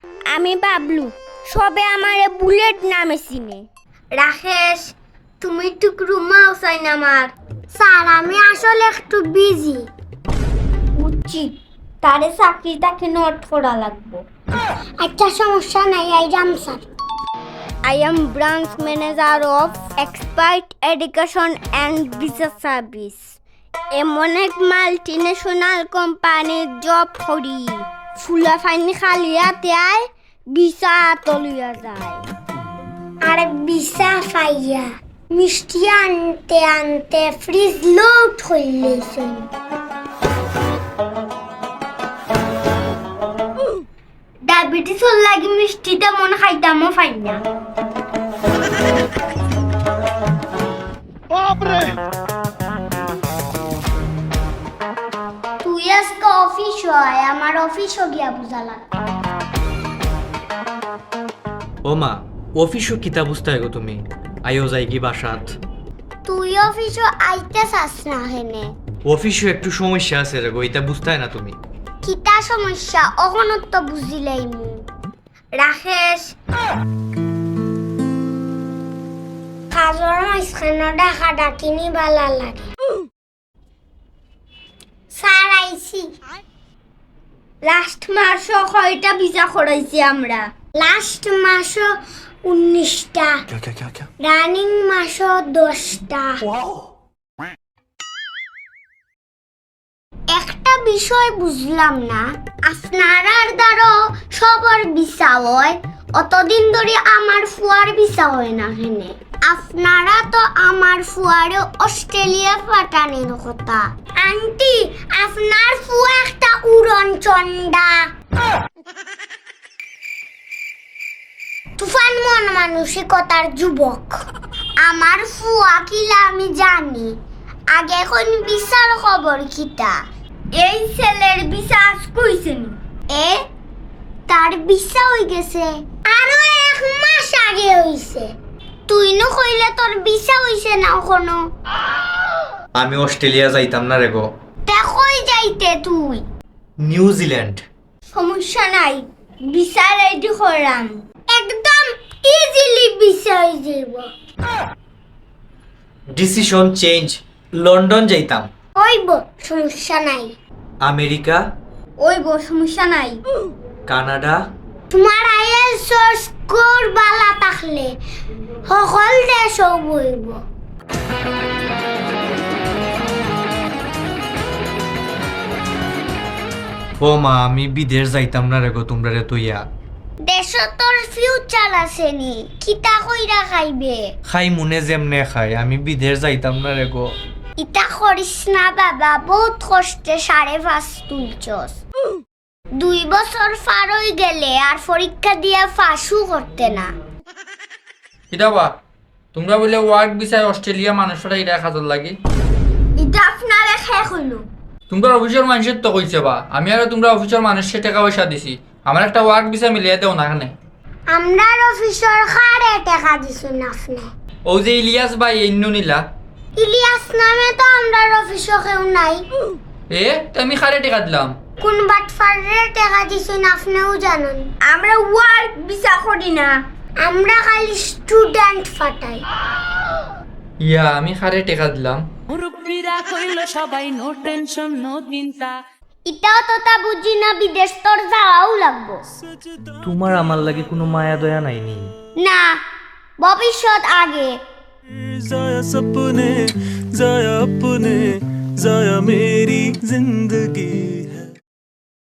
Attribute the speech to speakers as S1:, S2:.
S1: আমি বাবলু, সবে আমারে বুলেট নামে চিনে। রাকেশ, তুমি একটু রুমাও চাই না আমার। স্যার, আমি আসলে একটু বিজি। উচিত তারে চাকরিটাকে নোট করা লাগবো। একটা সমস্যা নাই, আইরাম sir. I am branch manager of Expert Education and Business Service. এমন এক মাল্টিনেশনাল কোম্পানির জব করি। ফুলা ফাইনি খালি হাতে আয়, বিসা তলিয়া যায়। আর বিসা ফাইয়া মিষ্টি আনতে আনতে ফ্রিজ লোড হইলেছে। ডায়াবেটিস লাগি মিষ্টিটা মনে খাইতামও ফাইন না। তুই আজকে অফিস হয়, আমার অফিসও গিয়া বুঝালা।
S2: ও মা, অফিসও কিতা বুঝতে গো তুমি? আইও যাই কি বাসাত?
S1: তুই অফিসও আইতে চাস না হেনে?
S2: অফিসও একটু সমস্যা আছে রে গো, এটা বুঝতে না তুমি?
S1: কিতা সমস্যা অগণত তো বুঝিলাই মু। রাকেশ, কাজর মাঝখানে ডাকা ডাকিনি বালা লাগে। স্যার আইছি। লাস্ট মাসও কয়টা ভিসা করাইছি আমরা? লাস্ট মাসও 19টা, রানিং মাসও 10টা। একটা বিষয় বুঝলাম না, আপনার দ্বারা সবার ভিসা হয়, অতদিন ধরে আমার ফুয়ার ভিসা হয় না হেনে। আপনারা তো আমার ফুয়ারে অস্ট্রেলিয়া পাঠানোর কথা। আন্টি, আপনার ফুয়া একটা উড়ন চন্ডা। তুফান মন মানসিকতার যুবক। আমার ফুয়া কিলা আমি জানি। আগে এখন বিচার খবর কিতা? এই ছেলের বিচার কইছেন এ, তার বিচার হই গেছে আরো 1 মাস আগে হইছে। তুই ন কইলে তোর বিচার হইছে না এখনো?
S2: আমি অস্ট্রেলিয়া যাইতাম না রে গো।
S1: তে কই যাইতে তুই?
S2: নিউজিল্যান্ড।
S1: সমস্যা নাই, বিচার রেডি করাম। একদম ইজিলি বিচার হই যাইব।
S2: ডিসিশন চেঞ্জ, লন্ডন যাইতাম।
S1: ওইব, সমস্যা নাই।
S2: আমেরিকা,
S1: ওইব, সমস্যা নাই।
S2: কানাডা।
S1: তোমার আইএলটিএস স্কোর বালা থাকলে সকল দেশ হইব।
S2: ও মা, আমি বিদেশ যাইতাম না রে গো তোমরা রে তুইয়া।
S1: দেশ তোর ফিউচার আছে নি, কিতা কইরা খাইবে?
S2: খাই মনে যেমনে খাই, আমি বিদেশ যাইতাম না রে গো।
S1: ইতা করিস না বাবা, বহুত কষ্টে 5.5 তুলছস। 2 বছর পার হই গেলে আর পরীক্ষা দিয়া ফাঁসু করতে না।
S3: কিটা বা তোমরা বলে ওয়ার্ক ভিসায় অস্ট্রেলিয়া মানুষরা এটা খাজর লাগে?
S1: এটা আপনারা শেষ হইল।
S3: তোমরা অফিসের মানুষের তো কইছে বা, আমি আর তোমরা অফিসের মানুষের টাকা পয়সা দিছি, আমার একটা ওয়ার্ক ভিসা মিলিয়ে দেও না এখানে।
S1: আমরা অফিসর খারে টাকা দিছুন আপনি।
S3: ও যে ইলিয়াস ভাই ইন্নু নিলা।
S1: ইলিয়াস নামে তো আমরা অফিসে কেউ নাই।
S3: এ তো আমি খারে টাকা দিলাম।
S1: কোন বাটফারের টাকা দিছুন আপনিও জানেন। আমরা ওয়ার্ক ভিসা করি না, আমরা খালি স্টুডেন্ট ফাটাই।
S3: ইয়া, আমি খারে টাকা দিলাম।
S4: মুরব্বীরা কইল সবাই নো টেনশন নো চিন্তা।
S1: এটাও তো তা বুঝি না, বিদেশ তোর যাওয়াও লাগবো।
S2: তোমার আমার লাগে কোনো মায়া দয়া নাইনি?
S1: না, ভবিষ্যৎ আগে।
S5: जाया सपने जाया अपने जाया मेरी जिंदगी